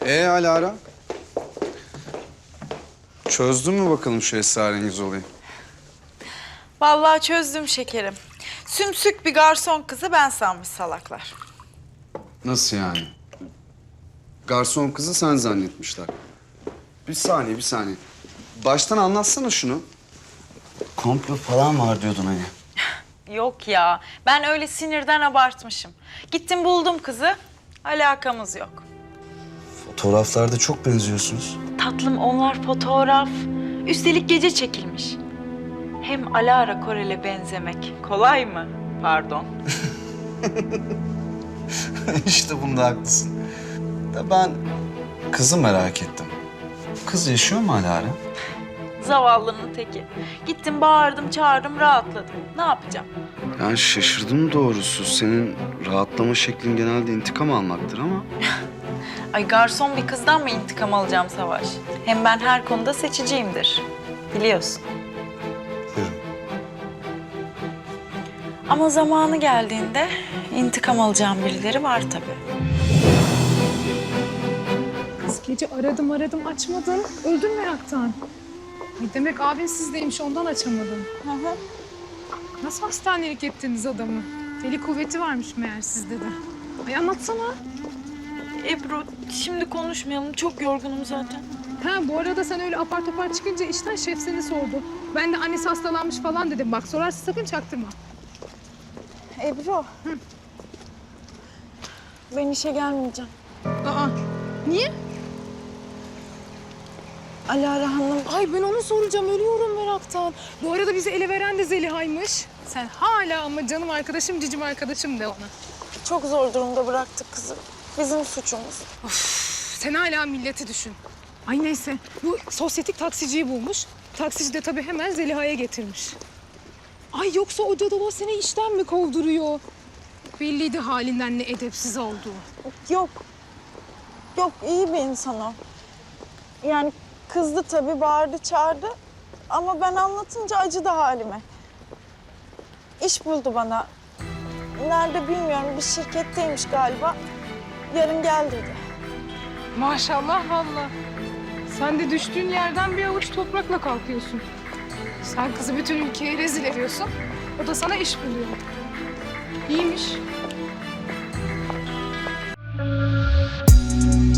Alara? Çözdün mü bakalım şu esrarengiz olayı? Vallahi çözdüm şekerim. Sümsük bir garson kızı ben sanmış salaklar. Nasıl yani? Garson kızı sen zannetmişler. Bir saniye. Baştan anlatsana şunu. Komplo falan var diyordun hani. Yok ya, ben öyle sinirden abartmışım. Gittim buldum kızı, alakamız yok. Fotoğraflarda çok benziyorsunuz. Tatlım onlar fotoğraf. Üstelik gece çekilmiş. Hem Alara Korel'e benzemek kolay mı? Pardon. İşte bunda haklısın. Da ben kızı merak ettim. Kız yaşıyor mu Alara? Zavallının teki. Gittim bağırdım çağırdım rahatladım. Ne yapacağım? Yani şaşırdım doğrusu. Senin rahatlama şeklin genelde intikam almaktır ama... Ay garson bir kızdan mı intikam alacağım Savaş? Hem ben her konuda seçiciyimdir. Biliyorsun. Ama zamanı geldiğinde intikam alacağım birileri var tabii. Kız gece aradım açmadın. Öldün meraktan. Ay demek abin sizdeymiş ondan açamadın. Hı hı. Nasıl hastanelik ettiniz adamı? Deli kuvveti varmış meğer sizde de. Ay anlatsana. Ebru şimdi konuşmayalım. Çok yorgunum zaten. Ha bu arada sen öyle apar topar çıkınca işten şef seni sordu. Ben de annesi hastalanmış falan dedim. Bak sorarsa sakın çaktırma. Ebru. Ben işe gelmeyeceğim. Aa niye? Alara Hanım. Ay ben onu soracağım. Ölüyorum meraktan. Bu arada bizi ele veren de Zeliha'ymış. Sen hala ama canım arkadaşım, cicim arkadaşım de ona. Çok zor durumda bıraktık kızı. Bizim suçumuz. Sen hala milleti düşün. Ay neyse bu sosyetik taksiciyi bulmuş. Taksici de tabii hemen Zeliha'ya getirmiş. Ay yoksa o cadalo seni işten mi kovduruyor? Belliydi halinden ne edepsiz olduğu. Yok. Yok iyi bir insan o. Yani kızdı tabii bağırdı çağırdı. Ama ben anlatınca acıdı halime. İş buldu bana. Nerede bilmiyorum bir şirketteymiş galiba. Yarın gel dedi. Maşallah vallahi. Sen de düştüğün yerden bir avuç toprakla kalkıyorsun. Sen kızı bütün ülkeye rezil ediyorsun. O da sana iş buluyor. İyiymiş.